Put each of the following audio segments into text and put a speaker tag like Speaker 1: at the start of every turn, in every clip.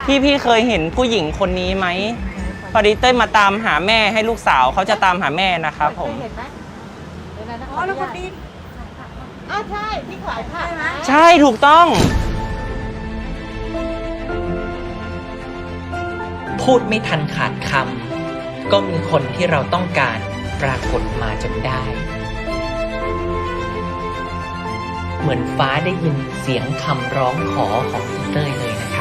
Speaker 1: พี่เคยเห็นผู้หญิงคนนี้ไหมพอดีเต้ยมาตามหาแม่ให้ลูกสาวเขาจะตามหาแม่นะครับผม
Speaker 2: เห็นไหมเห็นไหมนะ
Speaker 3: อ๋อแล้วคนนี้
Speaker 2: อ้าวใช่ที่ขายผักนะ
Speaker 1: ใช่ถูกต้อง
Speaker 4: พูดไม่ทันขาดคำก็มีคนที่เราต้องการปรากฏมาจนได้ เหมือนฟ้าได้ยินเสียงคำร้องขอของอีเต้ยเลยนะครับ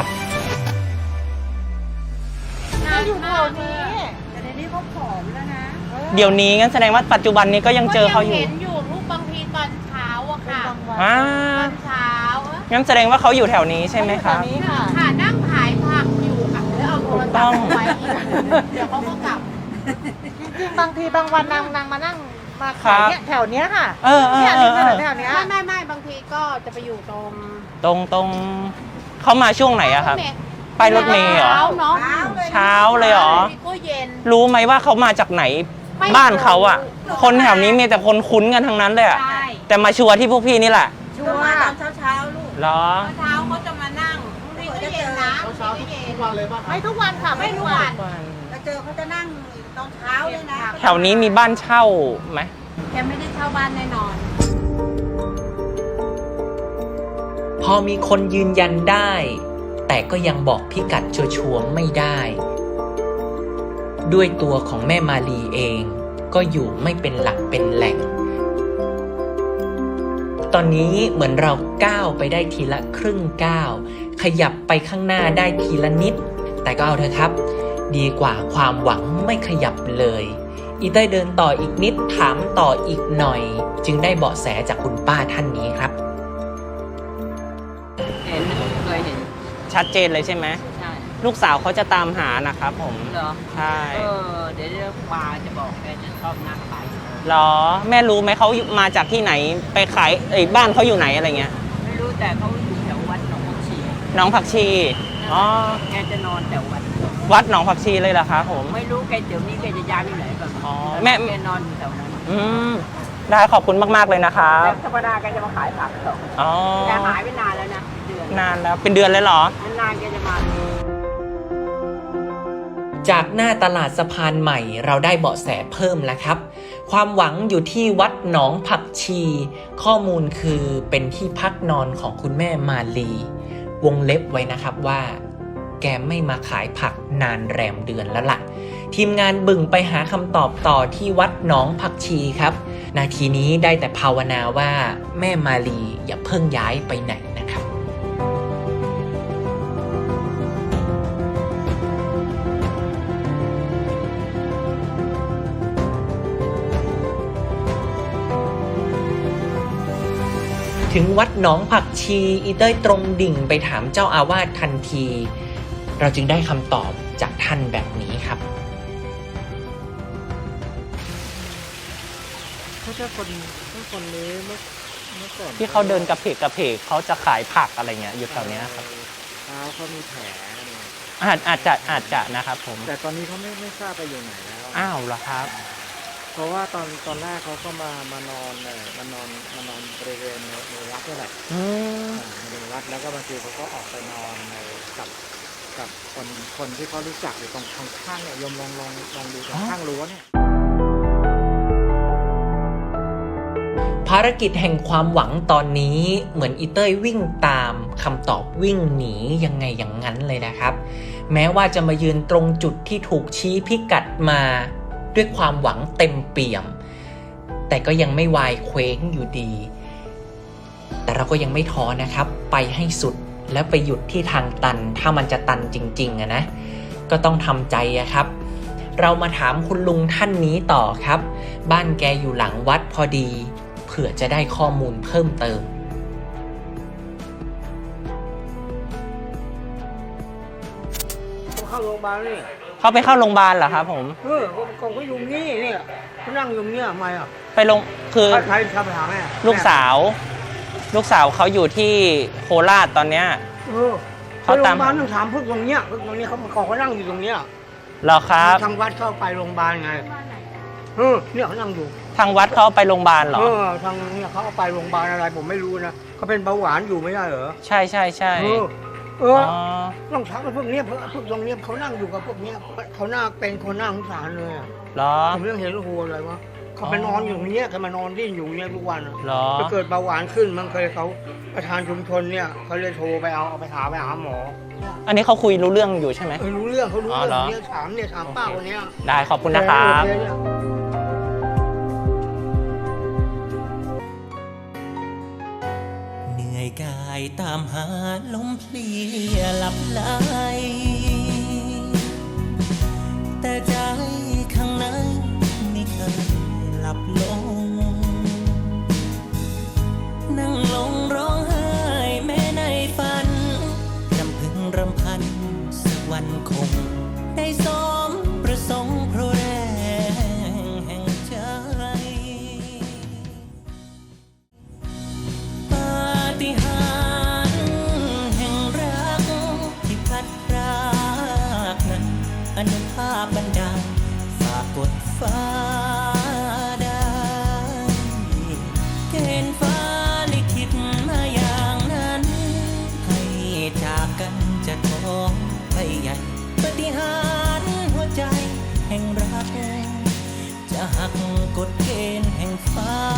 Speaker 2: ก็อยู่แถวนี้
Speaker 3: แต่ในนี้เขาผอมแล้วนะ
Speaker 1: เดี๋ยวนี้งั้นแสดงว่าปัจจุบันนี้ก็ยังเจอเขาอยู่
Speaker 5: ก็ยังเห็นอยู่ลูกบางทีตอนเช้าอะ
Speaker 2: เป็น
Speaker 5: ค่ะ
Speaker 2: บางวัน
Speaker 1: อ่า
Speaker 5: ตอนเช้าอะ
Speaker 1: งั้นแสดงว่าเขาอยู่แถวนี้ใช่ไหมครับ
Speaker 2: แถวนี้ค่ะ
Speaker 5: ค่ะนั่งขายผักอยู่ค่ะเดี๋ยวเอาโทรศัพท์เอาไว้อีกเดี๋ยวเขาก็กลับ
Speaker 2: จริงๆบางทีบางวันนางมานั่งมาขายเนี่ยแถวเนี้ยค่ะ
Speaker 1: เออ
Speaker 2: เนี่ยริมถนนแถวเนี้ย
Speaker 5: ไม่บางทีก็จะไปอยู่ตรง
Speaker 1: ตรงเขามาช่วงไหนอะครับไปรถเมล์เหรอ
Speaker 5: เช้าเนาะ
Speaker 1: เช้าเลยเหรอ
Speaker 5: บางทีก็เย็น
Speaker 1: รู้ไหมว่าเขามาจากไหน
Speaker 5: ไม่รู้
Speaker 1: บ้านเขาอะคนแถวนี้มีแต่คนคุ้นกันทั้งนั้นเลยอะ
Speaker 5: ใช่
Speaker 1: แต่มาชัวร์ที่พวกพี่นี่แหละ
Speaker 3: ชัวร์มาตอนเช้าลูก
Speaker 1: เหรอ
Speaker 5: เช้าเขาจะมานั่งบางทีก็เย็นนะบางทีก็เย็น
Speaker 2: ไม่ทุกวันค่ะ
Speaker 5: ไม่ทุกวัน
Speaker 3: แล้วเจอเขาจะนั่งตอนเช้าเลยนะ
Speaker 1: แถวนี้มีบ้านเช่าไหม
Speaker 5: แกไม่ได้เช่าบ้านแน่นอน
Speaker 4: พอมีคนยืนยันได้ แต่ก็ยังบอกพิกัดชัวร์ๆไม่ได้ ด้วยตัวของแม่มาลีเองก็อยู่ไม่เป็นหลักเป็นแหล่ง ตอนนี้เหมือนเราก้าวไปได้ทีละครึ่งก้าวขยับไปข้างหน้าได้ทีละนิด แต่ก็เอาเถอะครับ ดีกว่าความหวังไม่ขยับเลยอีเต้ยเดินต่ออีกนิดถามต่ออีกหน่อย จึงได้เบาะแสจากคุณป้าท่านนี้ครับ
Speaker 6: เห็นเคยเห็น
Speaker 1: ชัดเจนเลยใช่ไหม
Speaker 6: ใช่
Speaker 1: ลูกสาวเขาจะตามหานะครับผม
Speaker 6: เหรอ
Speaker 1: ใช่
Speaker 6: เดี๋ยวปาจะบอกแกจะชอบนั่งขาย
Speaker 1: เหรอแม่รู้ไหมเขามาจากที่ไหนไปขายบ้านเขาอยู่ไหนอะไรเงี้ย
Speaker 6: ไม่รู้แต่เขาอยู่แถววัดหนองบัวชี
Speaker 1: หนองผักชีอ๋อ
Speaker 6: แกจะนอนแถววัด
Speaker 1: วัดหนองผักชีเลยเหรอครับผม
Speaker 6: ไม่รู้แกเดี๋ยวนี้แกจะย้ายไปไหนบ้าง
Speaker 1: อ๋อแม่
Speaker 6: แกนอนอยู่แถวนั้น
Speaker 1: อืมได้ขอบคุณมากๆเลยนะครับ
Speaker 6: แล้วธรรมดาแกจะมาขายผักต่อ
Speaker 1: อ๋อ
Speaker 6: แกหายไปนานแล้วนะเดือน
Speaker 1: นานแล้วเป็นเดือนเลยเหรอ
Speaker 6: นานๆแกจะมา
Speaker 4: จากหน้าตลาดสะพานใหม่เราได้เบาะแสเพิ่มแล้วครับ ความหวังอยู่ที่วัดหนองผักชี ข้อมูลคือเป็นที่พักนอนของคุณแม่มาลี วงเล็บไว้นะครับว่า แกไม่มาขายผักนานแรมเดือนแล้วล่ะ ทีมงานบึ่งไปหาคำตอบต่อที่วัดหนองผักชีครับ นาทีนี้ได้แต่ภาวนาว่าแม่มาลีอย่าเพิ่งย้ายไปไหนนะครับ ถึงวัดหนองผักชีอีเต้ยตรงดิ่งไปถามเจ้าอาวาสทันที เราจึงได้คำตอบจากท่านแบบนี้ครับ
Speaker 7: ถ้าคนนี้เมื่อก่อน
Speaker 1: ที่เขาเดินกระเพกเขาจะขายผักอะไรเงี้ยอยู่แถวเนี้ยครับ
Speaker 7: เท้าเขามีแผลเนี่ย
Speaker 1: อาจจะนะครับผม
Speaker 7: แต่ตอนนี้เขาไม่ทราบไปอยู่ไหนแล้ว
Speaker 1: อ้าวเหรอครับ
Speaker 7: เพราะว่าตอนแรกเขาก็มานอนบริเวณในวัดนี่แหละ
Speaker 1: อืม
Speaker 7: ในวัดแล้วก็บางทีเขาก็ออกไปนอนกับคนที่เขารู้จักอยู่ตรงข้างเนี่ยยมลองดูตรงข้างรั้วเนี่ย
Speaker 4: ภารกิจแห่งความหวังตอนนี้เหมือนอีเต้ยวิ่งตามคำตอบวิ่งหนียังไงอย่างนั้นเลยนะครับ แม้ว่าจะมายืนตรงจุดที่ถูกชี้พิกัดมาด้วยความหวังเต็มเปี่ยม แต่ก็ยังไม่วายเคว้งอยู่ดี แต่เราก็ยังไม่ท้อนะครับ ไปให้สุดแล้วไปหยุดที่ทางตันถ้ามันจะตันจริงๆนะก็ต้องทำใจครับ เรามาถามคุณลุงท่านนี้ต่อครับ บ้านแกอยู่หลังวัดพอดีเผื่อจะได้ข้อมูลเพิ่มเติม
Speaker 7: เข้าโรงพยาบาลนี่
Speaker 1: เขาไปเข้าโรงพยาบาลเหรอครับผม
Speaker 7: ผมก็อยู่นี่เนี่ยเขานั่งอยู่เนี่ยทำไมอ่ะ
Speaker 1: ไปลงคือ
Speaker 7: ใครทำไปหาแม่
Speaker 1: ลูกสาวเขาอยู่ที่โคราชตอนเนี้ย
Speaker 7: เขาโรงพยาบาลต้องถามพึ่งตรงเนี้ยเขานั่งอยู่ตรงเนี้ย
Speaker 1: เหรอครับ
Speaker 7: ทางวัดเข้าไปโรงพยาบาลไงเนี่ยเขานั่งอยู่
Speaker 1: ทางวัดเขาเอาไปโรงพยาบาลเหรอ
Speaker 7: ทางเนี่ยเขาเอาไปโรงพยาบาลอะไรผมไม่รู้นะเขาเป็นเบาหวานอยู่ไม่ใช่เหรอ
Speaker 1: ใช่
Speaker 7: เออ
Speaker 8: เอ
Speaker 1: อ๋
Speaker 8: อ
Speaker 1: อ
Speaker 8: ต้องทักพวกเนี้ยพวกตรงเนี้ยเขานั่งอยู่กับพวกเนี้ยเขาหน้าเป็นคนหน้าสงสารเลยอะ
Speaker 1: เหรอ
Speaker 8: ผมยังเห็นโอ้โหอะไรวะเขาไปนอนอยู่อย่างเงี้ยเขามานอนดิ้นอยู่อย่างเงี้ยทุกวันอะ
Speaker 1: เหรอ
Speaker 8: ถ้าเกิดเบาหวานขึ้นมันเคยเขาประธานชุมชนเนี่ยเขาเลยโทรไปเอาไปหาหมอ
Speaker 1: อันนี้เขาคุยรู้เรื่องอยู่ใช่ไหม
Speaker 8: รู้เรื่องเขารู้
Speaker 1: อ๋อ
Speaker 8: เรื่
Speaker 1: เหร
Speaker 8: อ
Speaker 1: อ
Speaker 8: งเนี่ยถามป้าคนเนี้ย
Speaker 1: ได้ขอบคุณนะครับ
Speaker 9: เหนื่อยกายตามหาลมเพลียหลับไหลแต่ใจข้างในไม่เคยหลับลง นั่งลงร้องไห้แม้ในฝันรำพึงรำพันสักวันคง ได้สมประสงค์เพราะแรงแห่งใจ ปาฏิหาริย์แห่งรักที่พัดพรากนั้นอนุภาพบันดาลฝากกดฟ้าได้เกณฑ์ฟ้าลิขิตมาอย่างนั้น ให้จากกันจะท้องไปใหญ่ปาฏิหาริย์หัวใจแห่งรัก จะหักกฎเกณฑ์แห่งฟ้า